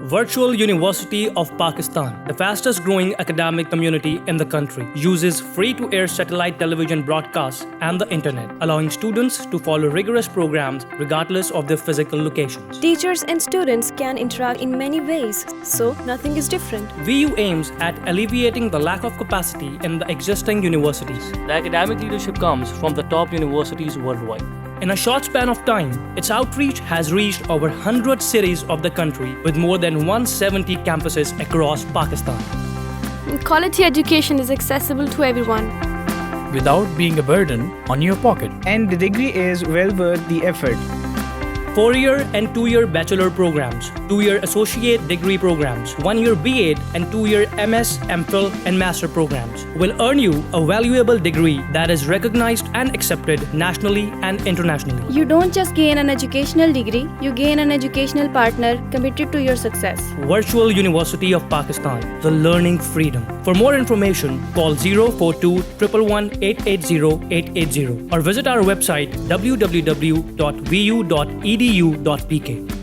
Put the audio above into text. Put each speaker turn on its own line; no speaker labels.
Virtual University of Pakistan, the fastest growing academic community in the country, uses free-to-air satellite television broadcasts and the internet, allowing students to follow rigorous programs regardless of their physical locations.
Teachers and students can interact in many ways, so nothing is different.
VU aims at alleviating the lack of capacity in the existing universities. The academic leadership comes from the top universities worldwide. In a short span of time, its outreach has reached over 100 cities of the country with more than 170 campuses across Pakistan.
Quality education is accessible to everyone
without being a burden on your pocket.
And the degree is well worth the effort.
4-year and 2-year bachelor programs, 2-year associate degree programs, 1-year B.Ed and 2-year MS, MPhil and master programs will earn you a valuable degree that is recognized and accepted nationally and internationally.
You don't just gain an educational degree, you gain an educational partner committed to your success.
Virtual University of Pakistan, the learning freedom. For more information, call 042 111 880 880 or visit our website www.vu.edu.pk.